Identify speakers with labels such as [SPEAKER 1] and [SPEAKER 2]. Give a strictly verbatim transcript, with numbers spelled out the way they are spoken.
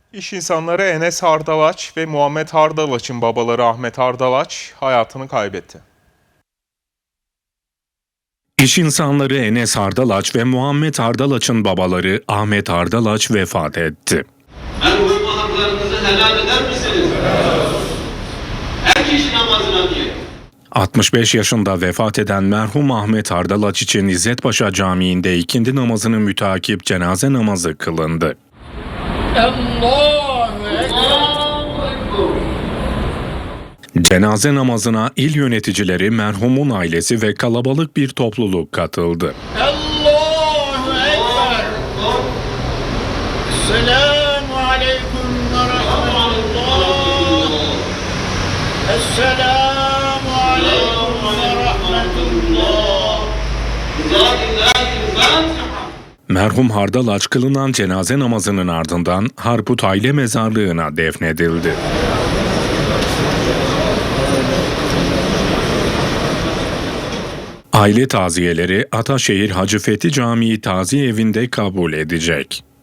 [SPEAKER 1] İş insanları Enes Hardalaç ve Muhammed Hardalaç'ın babaları Ahmet Hardalaç hayatını kaybetti.
[SPEAKER 2] İş insanları Enes Hardalaç ve Muhammed Hardalaç'ın babaları Ahmet Hardalaç vefat etti.
[SPEAKER 3] Merhum haklarınızı helal eder misiniz? Her kişi namazına diye.
[SPEAKER 2] altmış beş yaşında vefat eden merhum Ahmet Hardalaç için İzzetpaşa Camii'nde ikindi namazını mütakip cenaze namazı kılındı.
[SPEAKER 3] Allahu Ekber.
[SPEAKER 2] Cenaze namazına il yöneticileri, merhumun ailesi ve kalabalık bir topluluk katıldı.
[SPEAKER 3] Allahu Ekber. Esselamu aleyküm ve rahmetullah. Esselamu aleyküm ve rahmetullah.
[SPEAKER 2] Merhum Hardalaç kılınan cenaze namazının ardından Harput Aile Mezarlığı'na defnedildi. Aile taziyeleri Ataşehir Hacı Fethi Camii Taziye Evi'nde kabul edecek.